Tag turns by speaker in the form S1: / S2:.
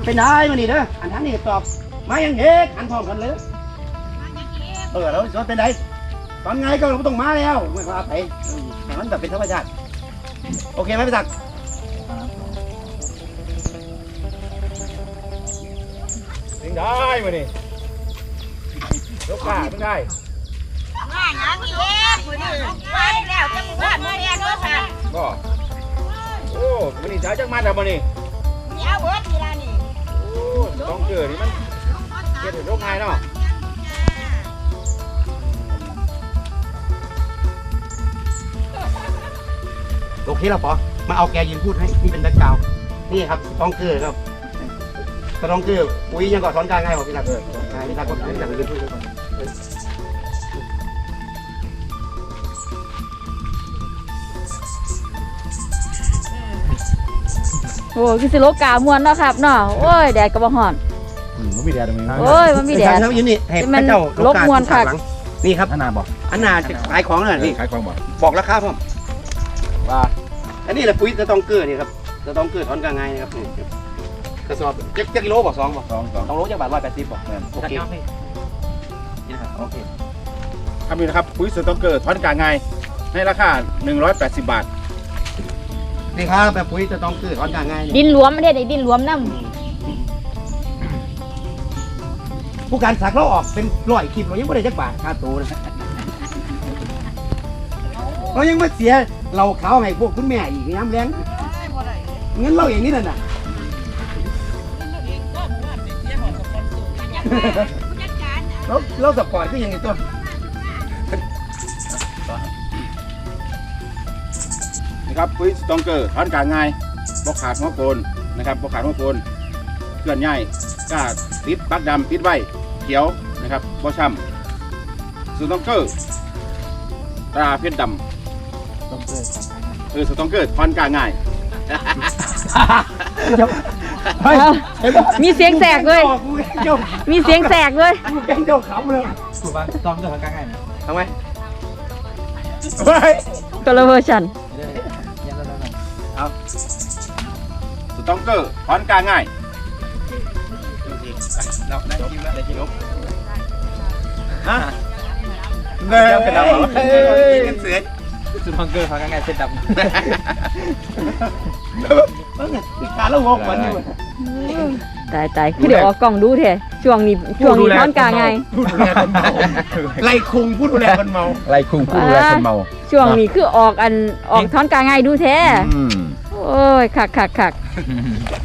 S1: เป็นได้มานี่เด้ออันนั้นนี่ตอบมายังเอกอันพร้อมกันเลยแล้วสวนเป็นไดตอนไงก็เราต้องมาแล้วไม่ว่าไปมันแบบเป็นธรรมชาติโอเคไหมพี่ศักดิ์
S2: ถึงได้มานี่ยกขาถึงได้
S3: ง่ายนะพี่เอ๊ะมือนี่ไปแล้วจะมือบ้านมือเรียนด้วยค่ะ
S2: ก็โอ้มันนี่ใช้จังมันแต่มันนี่
S3: มีเอาเบิร์ดทีละนี่
S2: โอ้ต้องเกิดนี่มันเกิดถึงโรคไงเนาะ
S1: โอเคแล้วปอมาเอาแกยืนพูดให้นี่เป็นแบ็คกราวด์นี่ครับต้องเกลือครับต้องเกลืออุ้ยยังก่อนสอนการง่ายบอกพี่ศักดิ์พี่ศักดิ์ก็พี่ศักดิ์ยืนพูดก่อน
S4: โอ้คือสิโลกามวนเนาะครับเนาะโอ้ยแดดก็บ่ฮ้อน
S2: มันมีแดดตรงนี้
S4: โอ้ยมันมีแดด
S1: ยืนนี่ให้พระเจ้านี่ครับ
S2: อันนาบอก
S1: อันนาจะขายของเลยนี่
S2: ขายของบอก
S1: บอกราคาผม
S2: ว่า
S1: อันนี้แหละปุ๋ยจะต้องเกลือนี่ครับจะต้องเกลือถอนกลางไงนะครับกระสอบจะกิโลบอก2บอก
S2: สอง
S1: 2โลจะบาท180บอกโอเคนี่นะครับโอเค
S2: ทำอยู่นะครับปุ๋ยสต๊อกเกอร์ทอนกลางไงให้ราคา180 บาท
S1: นี่ครับแบบปุ๋ยจะต้องเกลือถอนกลางไง
S4: ดินหลวมไม่ได้ดินหลวมนำ
S1: ผู้การสักเราออกเป็น100คลิปเรายังไม่ได้จักบาทค่าตัวนะเรายังมาเสียเราเขาให้พวกคุณแม่อีกน้ำแรงเงินเราอย่างนี้นั่นน่ะเราสปอร์ตก็ยังไงตัว
S2: นะครับปุ๋ยสต๊อกเกอร์ทอนกลางไงบกขาดหัวโกนนะครับบกขาดหัวโกนเคลื่อนย้ายกล้าติดปักดำติดไว้เขียวนะครับบ่ช้ำสต๊อกเกอร์ตราเพชรดำสต๊อกเกอร์ทอนกลางง่าย
S4: มีเสียงแสกเลยมีเสียงแสกเลย
S1: แกงเจ้าขำเลย
S5: ถูกป่ะต้องเดินกลางไง
S1: ทำไม
S4: คนละเวอร์ชัน
S2: สต๊อกเกอร์ทอนกลางง่าย
S1: เราได้คิวแล้วได้คิว
S2: ฮะเนื้อเป็นดำเหรอ
S1: กันเสือ
S5: สุดทองเกอร์เขากลางไงเส้นดำ
S1: การเรางงวันอยู่
S4: ตายคือเดี๋ยวออกกล้องดูแท้ช่วงนี้ท้อนกลางไง
S1: ไล่คุงพูดดูแลคนเมา
S2: ไล่คุ้งผู้ดูแลคนเมา
S4: ช่วงนี้คือออกท้อนกลางไงดูแท้โอ้ยคัก